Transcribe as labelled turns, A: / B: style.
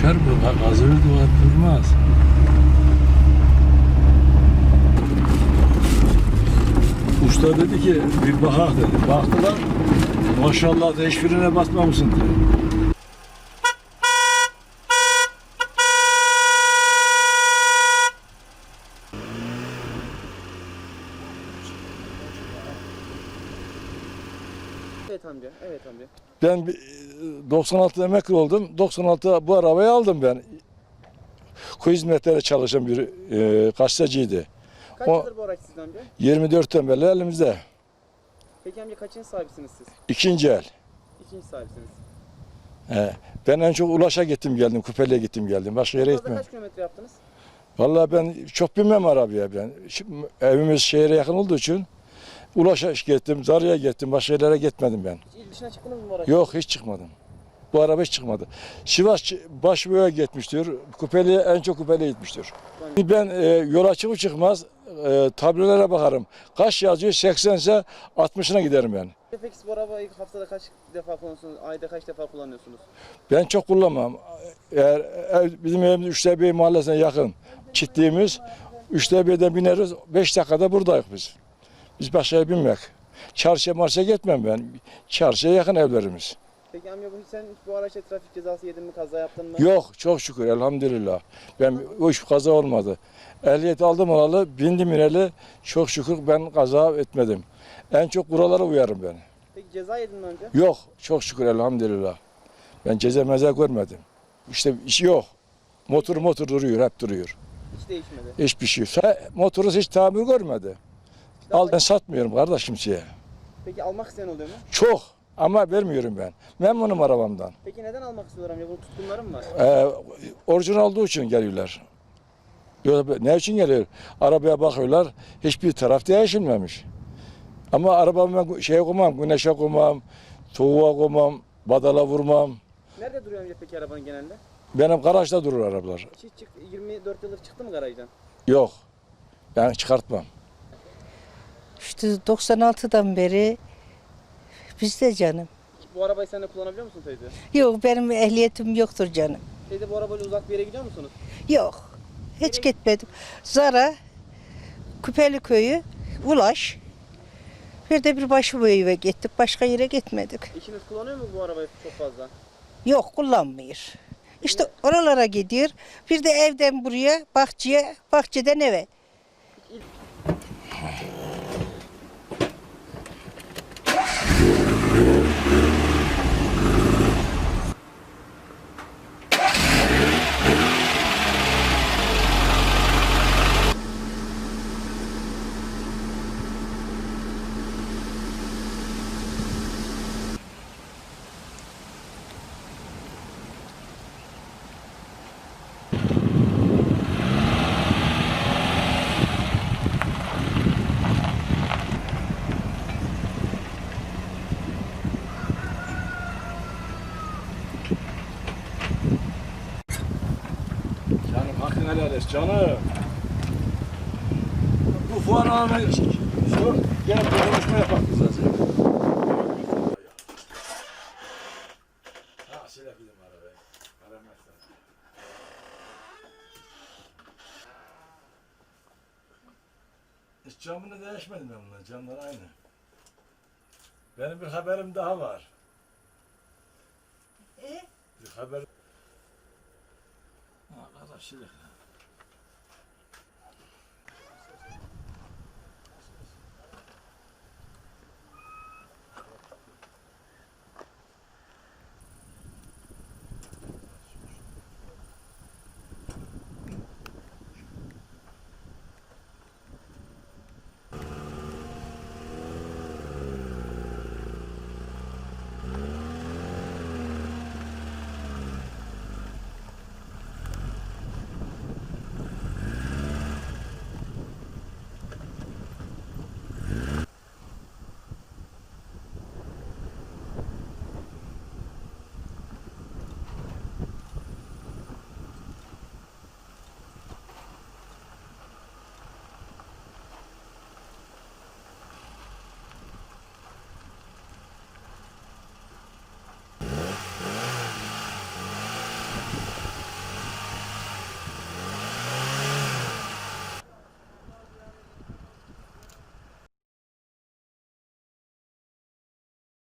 A: Uçar bu, gazı durmaz. Usta dedi ki bir bakak dedi. Baktılar. Maşallah da hiçbirine basmamışsın dedi.
B: Evet amca, evet amca.
A: Ben 96'da emekli oldum. 96'da bu arabayı aldım ben. Kuyu hizmetlerde çalışan bir gazeteciydi.
B: Kaç
A: O
B: yıldır bu araç sizin amca?
A: 24'ten beri elimizde.
B: Peki amca kaçıncı sahibisiniz siz?
A: İkinci el.
B: İkinci sahibisiniz.
A: Ben en çok Ulaş'a gittim geldim, Kupeli'ye gittim geldim. Başka yere
B: Fazla
A: gitmem.
B: kaç kilometre yaptınız?
A: Vallahi ben çok bilmem arabaya ben. Şimdi evimiz şehre yakın olduğu için Ulaş'a gittim, Zarı'ya gittim, başka yerlere gitmedim ben.
B: Hiç il dışına çıktınız mı bu araç?
A: Yok hiç çıkmadım. Bu araba hiç çıkmadı. Sivas Başbuğ'a gitmiştir. Kupeli'ye en çok Kupeli'ye gitmiştir. Ben yola çıkıp çıkmaz tablolara bakarım. Kaç yazıyor? 80 ise 60'ına giderim ben.
B: Peki siz bu arabayı haftada kaç defa kullanıyorsunuz? Ayda kaç defa kullanıyorsunuz?
A: Ben çok kullanmam. Eğer bizim evimiz Üçtepe mahallesine yakın. Çitliğimiz Üçtepe'den bineriz. 5 dakikada buradayız biz. Biz başka yere binmek. Çarşıya marşaya gitmem ben. Çarşıya yakın evlerimiz.
B: Peki amca sen hiç bu araçta trafik cezası yedin mi? Kaza yaptın mı?
A: Yok çok şükür elhamdülillah. Ben o iş kaza olmadı. Ehliyet aldım alalı, bindim ineli. Çok şükür ben kaza etmedim. En çok buralara uyarım ben.
B: Peki ceza yedin mi amca?
A: Yok çok şükür elhamdülillah. Ben ceza meza görmedim. İşte iş yok. Motor duruyor, hep duruyor.
B: Hiç değişmedi.
A: Hiçbir şey. Motoru hiç tamir görmedi. Al ben satmıyorum kardeş kimseye.
B: Peki almak isteyen oluyor mu?
A: Çok ama vermiyorum ben. Memnunum arabamdan.
B: Peki neden almak istiyorlar amca? Bunun tutkunları mı var?
A: Orijinal olduğu için geliyorlar. Yok, ne için geliyor? Arabaya bakıyorlar, hiçbir taraf değişilmemiş. Ama arabama şey koymam, güneşe koymam, soğuğa koymam, badala vurmam.
B: Nerede duruyor amca peki arabanın genelde?
A: Benim garajda durur arabalar.
B: Hiç 24 yıldır çıktı mı garajdan?
A: Yok, ben çıkartmam.
C: İşte 96'dan beri bizde canım.
B: Bu arabayı sen de kullanabiliyor musun teyze?
C: Yok benim ehliyetim yoktur canım.
B: Teyze bu arabayla uzak bir yere gidiyor musunuz?
C: Yok. Hiç gitmedim. Zara, Küpeli Köyü, Ulaş. Bir de bir Başbuğ'a gittik. Başka yere gitmedik.
B: Eşiniz kullanıyor mu bu arabayı çok fazla?
C: Yok kullanmıyor. İşte oralara gidiyor. Bir de evden buraya, bahçeye, bahçeden eve.
A: Canım hakkın helal et canım. Bu fuar alanı sor, gel bir konuşma yapak kız zaten. Ha şöyle gidelim arabaya. Aramazsan. Hiç camını değişmedim ben bundan, camlar aynı. Benim bir haberim daha var. Bir haber... Ha, kardeş şöyle.